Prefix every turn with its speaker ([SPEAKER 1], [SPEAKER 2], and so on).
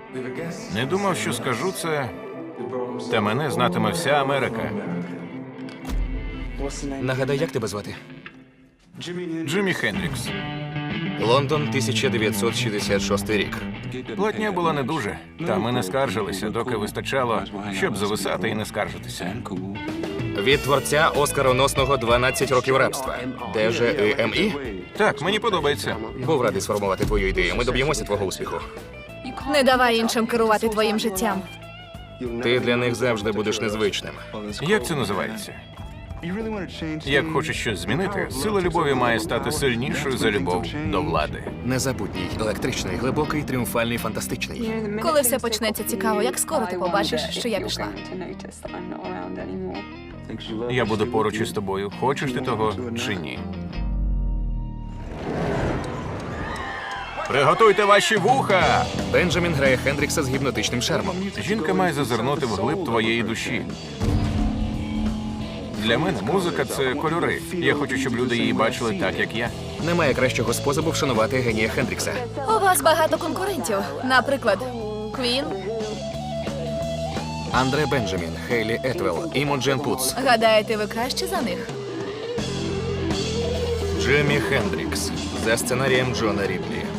[SPEAKER 1] Не думав, що скажу це, та мене знатиме вся Америка.
[SPEAKER 2] Нагадай, як тебе звати?
[SPEAKER 1] Джиммі Хендрікс.
[SPEAKER 2] Лондон, 1966 рік.
[SPEAKER 1] Платня була не дуже, та ми не скаржилися, доки вистачало, щоб зависати і не скаржитися.
[SPEAKER 2] Від творця оскароносного «12 років рабства». Де же ЕМІ?
[SPEAKER 1] Так, мені подобається.
[SPEAKER 2] Був радий сформувати твою ідею. Ми доб'ємося твого успіху.
[SPEAKER 3] Не давай іншим керувати твоїм життям.
[SPEAKER 2] Ти для них завжди будеш незвичним.
[SPEAKER 1] Як це називається? Як хочеш щось змінити, сила любові має стати сильнішою за любов до влади.
[SPEAKER 2] Незабутній, електричний, глибокий, тріумфальний, фантастичний.
[SPEAKER 3] Коли все почнеться цікаво, як скоро ти побачиш, що я пішла?
[SPEAKER 1] Я буду поруч із тобою, хочеш ти того чи ні. Приготуйте ваші вуха!
[SPEAKER 2] Бенджамін грає Хендрікса з гіпнотичним шармом.
[SPEAKER 1] Жінка має зазирнути вглиб твоєї душі. Для мене музика – це кольори. Я хочу, щоб люди її бачили так, як я.
[SPEAKER 2] Немає кращого способу вшанувати генія Хендрікса.
[SPEAKER 3] У вас багато конкурентів. Наприклад, Квін.
[SPEAKER 2] Андре Бенджамін, Хейлі Етвелл, Імоджен Путс.
[SPEAKER 3] Гадаєте, ви краще за них?
[SPEAKER 2] Джиммі Хендрікс за сценарієм Джона Ріплі.